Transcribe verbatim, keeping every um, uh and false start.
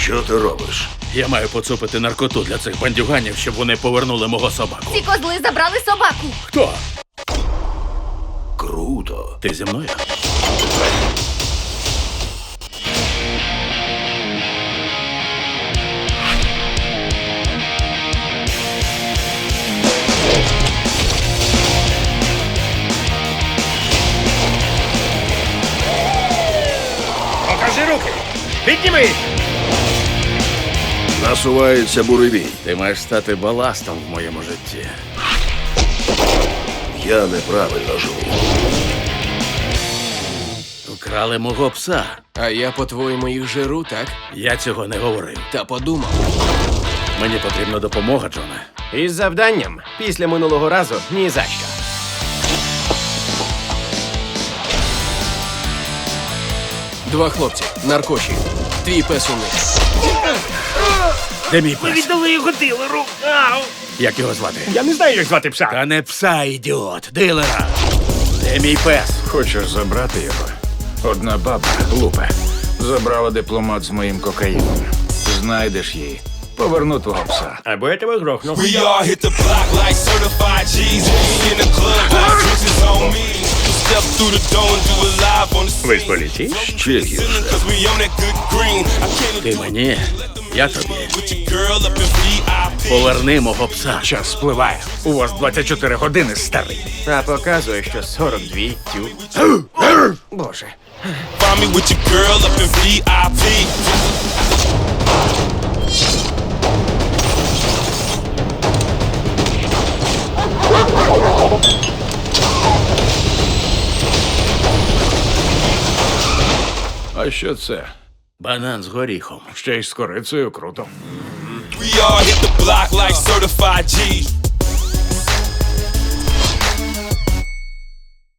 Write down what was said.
Що ти робиш? Я маю поцупити наркоту для цих бандюганів, щоб вони повернули мого собаку. Ці козли забрали собаку. Хто? Круто. Ти зі мною? Покажи руки! Підніми їх! Насувається буревій. Ти маєш стати баластом в моєму житті. Я неправильно живу. Вкрали мого пса. А я, по-твоєму, їх жиру, так? Я цього не говорив. Та подумав. Мені потрібна допомога, Джоне. Із завданням після минулого разу ні за що. Два хлопці, наркоші. Твій пес у них. Де мій пес? Віддали його дилеру! Ау! Як його звати? Я не знаю, як звати пса. Та не пса, ідіот, дилера. Де мій пес? Хочеш забрати його? Одна баба, Лупе, забрала дипломат з моїм кокаїном. Знайдеш її. Поверну твого пса. Або я тебе грохну. We all hit the block like certified G's. We in the club, got bitches on me. Step through the door and do it live on the Ви з scene. поліції? Ще гірше. Cause we on that good green. I can't Ти мені, я тобі. with your girl up in ві ай пі. Поверни мого пса. Час спливає. У вас двадцять чотири години, старий. А показує, що сорок два. Тю. Боже. Find me with your girl up in ві ай пі. А що це? Банан з горіхом. Ще й з корицею круто. We all hit the block like certified G's.